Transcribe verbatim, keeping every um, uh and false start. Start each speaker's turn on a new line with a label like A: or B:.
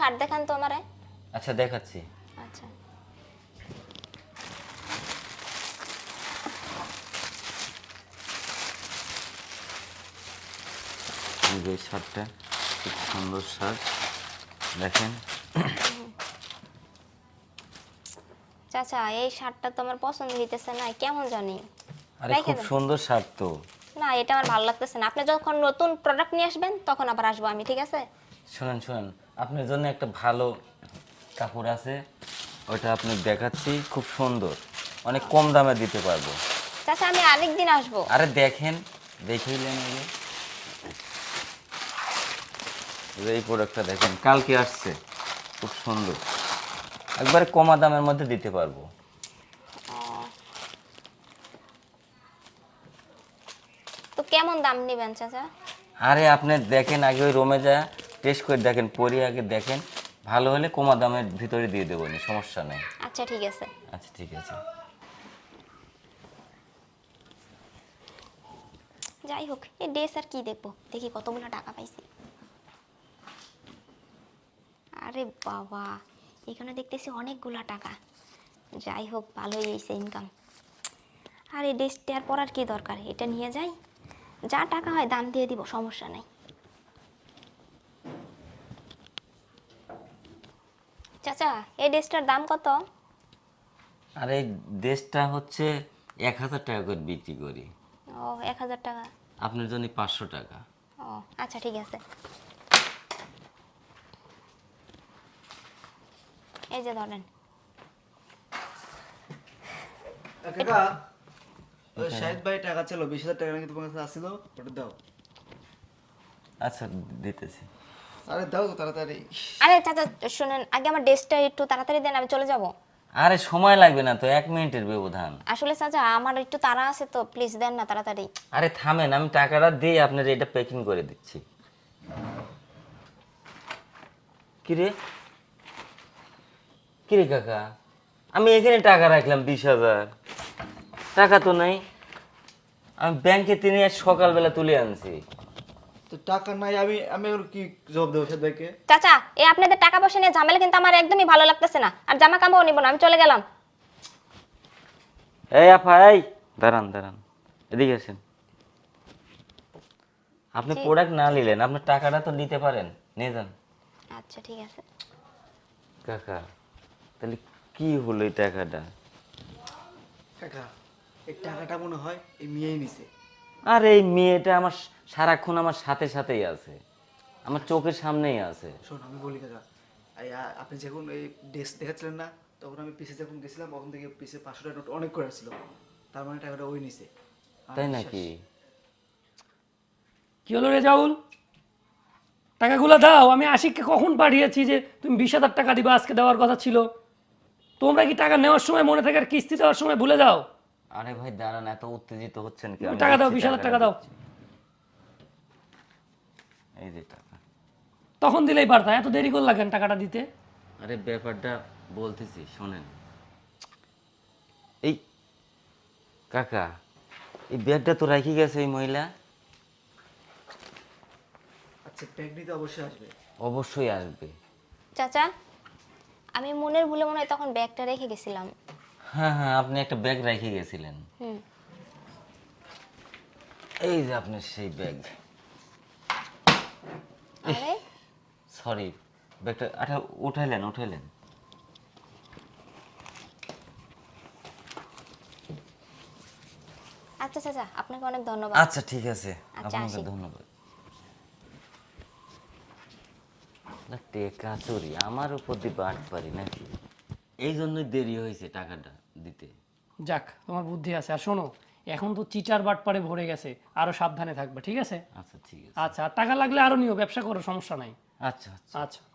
A: Shirt দেখান তো আমারে।
B: আচ্ছা দেখাচ্ছি।
A: আচ্ছা
B: এই যে শার্টটা খুব সুন্দর শার্ট দেখেন।
A: চাচা এই শার্টটা তো আমার পছন্দ হইতেছে না, কেমন জানি।
B: আরে
A: রেখে
B: খুব
A: দেন।
B: সুন্দর শার্ট তো।
A: না এটা আমার ভালো লাগতেছে না, আপনি যখন নতুন প্রোডাক্ট নিয়ে আসবেন তখন আবার আসবো আমি, ঠিক আছে?
B: শুনেন শুনেন, আপনার জন্য একটা ভালো কাপড় আছে, ওইটা আপনি দেখাচ্ছি, খুব সুন্দর, অনেক কম দামে দিতে পারবো।
A: চাচা আমি আরেকদিন আসবো।
B: আরে দেখেন, দেখেইলেন আগে। এই প্রোডাক্টটা দেখেন, কালকে আসছে, খুব সুন্দর, একবারে কমা দামের মধ্যে দিতে পারবো।
A: তো কেমন দাম নেবেন চাচা?
B: আরে আপনি দেখেন আগে, ওই রোমে যা টেস্ট করে দেখেন, পরে আগে দেখেন, ভালো হলে কমা দামের ভিতরে দিয়ে দেবো, নি সমস্যা নেই।
A: আচ্ছা ঠিক আছে।
B: আচ্ছা ঠিক আছে।
A: যাই হোক এই ড্রেস আর কি দেখবো, দেখি কতগুলো টাকা পাইছি। আরে বাবা, এখানে দেখতেছি অনেকগুলা টাকা। যাই হোক ভালোই হয়েছে ইনকাম। আর এই ড্রেসটা আর পরার কি দরকার, এটা নিয়ে যাই, যা টাকা হয় দাম দিয়ে দিব, সমস্যা নেই। চাচা এই ড্রেসটার দাম কত?
B: আর এই দেশটা হচ্ছে এক হাজার টাকা করে বিক্রি করি,
A: ও এক হাজার টাকা।
B: আপনার জন্য পাঁচশো টাকা।
A: ও আচ্ছা ঠিক আছে, এই যে ধরেন।
C: কাকা ওই শাহিদ ভাই টাকা ছিল বিশ হাজার টাকা নাকি তোমার কাছে আসছিল, ওটা দাও।
B: আচ্ছা দিতেছি।
C: আরে দাও তো তাড়াতাড়ি।
A: আরে চাচা শুনেন, আগে আমার ড্রেসটা একটু তাড়াতাড়ি দেন, আমি চলে যাব।
B: আরে সময় লাগবে না তো, এক মিনিটের ব্যবধান।
A: আসলে চাচা আমার একটু তাড়া আছে তো, প্লিজ দেন না তাড়াতাড়ি।
B: আরে থামেন, আমি টাকাটা দিয়ে আপনার এটা প্যাকিং করে দিচ্ছি। কিরে কিরে কাকা, আমি এখানে টাকা রাখলাম বিশ হাজার টাকা তো নাই, আমি ব্যাংকে তিনি আজ সকালবেলা তুলে আনছি।
C: তো টাকা নাই, আমি আমি ওর কি জবাব দেবো শাহিদ ভাইকে?
A: চাচা এই আপনাদের টাকা পয়সা নিয়ে ঝামেলা কিন্তু আমার একদমই ভালো লাগতেছে না, আর জামা কাপড়ও নিব না, আমি চলে গেলাম।
B: এই আপা, এই দাঁড়ান দাঁড়ান, এদিকে আসেন। আপনি
A: জি।
B: প্রোডাক্ট না নিলেন, আপনার টাকাটা তো নিতে পারেন, নিয়ে যান।
A: আচ্ছা ঠিক আছে।
B: কাকা তাহলে কি হলো এই টাকাটা?
C: কাকা এই টাকাটা মনে হয় এই মেয়েই নিছে।
B: আর এই মেয়েটা আমার সারাক্ষণ আমার সাথে সাথেই আছে, আমার চোখের সামনেই আছে।
C: শোন আমি বলি কাকা, এই আ- আপনি যখন এই ড্রেস দেখাচ্ছিলেন না, তখন আমি পিসে যখন গেছিলাম তখন থেকে পিসে পাঁচশো টাকা নোট অনেক করে আসছিল, তার মানে টাকাটা ওই নিছে। আমার
B: তাই
C: বিশ্বাস।
B: নাকি?
D: কি হলো রে জাউল, টাকাগুলো দাও। আমি আশিককে কখন পাঠিয়েছি যে তুমি বিশ হাজার টাকা দিবা, আজকে দেওয়ার কথা ছিল। তোমরা কি টাকা নেওয়ার সময় মনে থাকে আর কিস্তি দেওয়ার সময় ভুলে যাও?
B: আরে ভাই দাঁড়ান, এত উত্তেজিত হচ্ছেন কি? আমি
D: টাকা দাও,
B: দিচ্ছি,
D: বিশ হাজার
B: টাকাটা
D: টাকা দাও।
B: দিচ্ছি। এই যে টাকা।
D: তখন দিলেই পারতা, এত দেরি করলা কেন টাকাটা দিতে?
B: আরে ব্যাপারটা বলতেছি শোনেন। এই কাকা, এই ব্যাগটা তো রাখি গেছে এই মহিলা।
C: আচ্ছা ব্যাগ নিতে অবশ্যই আসবে।
B: অবশ্যই আসবে।
A: চাচা আমি মনের ভুলে মনে হয় তখন ব্যাগটা রেখে গেছিলাম।
B: হ্যাঁ হ্যাঁ, আপনি একটা ব্যাগ রেখে গেছিলেন।
A: হুম।
B: এই যে আপনার সেই ব্যাগ।
A: আরে
B: সরি, ব্যাগটা আচ্ছা উঠাইলেন উঠাইলেন।
A: আচ্ছা চাচা আপনাকে অনেক ধন্যবাদ।
B: আচ্ছা ঠিক আছে,
A: আচ্ছা,
B: আপনাকে
A: আসি।
B: ধন্যবাদ। না টেকা চুরি আমার উপর দিয়ে বাট পারি নাকি? এই জন্যই দেরি হয়েছে টাকাটা দিতে।
D: যাক তোমার বুদ্ধি আছে। আর শোনো, এখন তো চিটার বাটপারে ভরে গেছে, আরো সাবধানে থাকবে, ঠিক আছে?
B: আচ্ছা ঠিক আছে।
D: আচ্ছা, আর টাকা লাগলে আরো নিও, ব্যবসা করো, সমস্যা নাই।
B: আচ্ছা আচ্ছা।
D: আচ্ছা।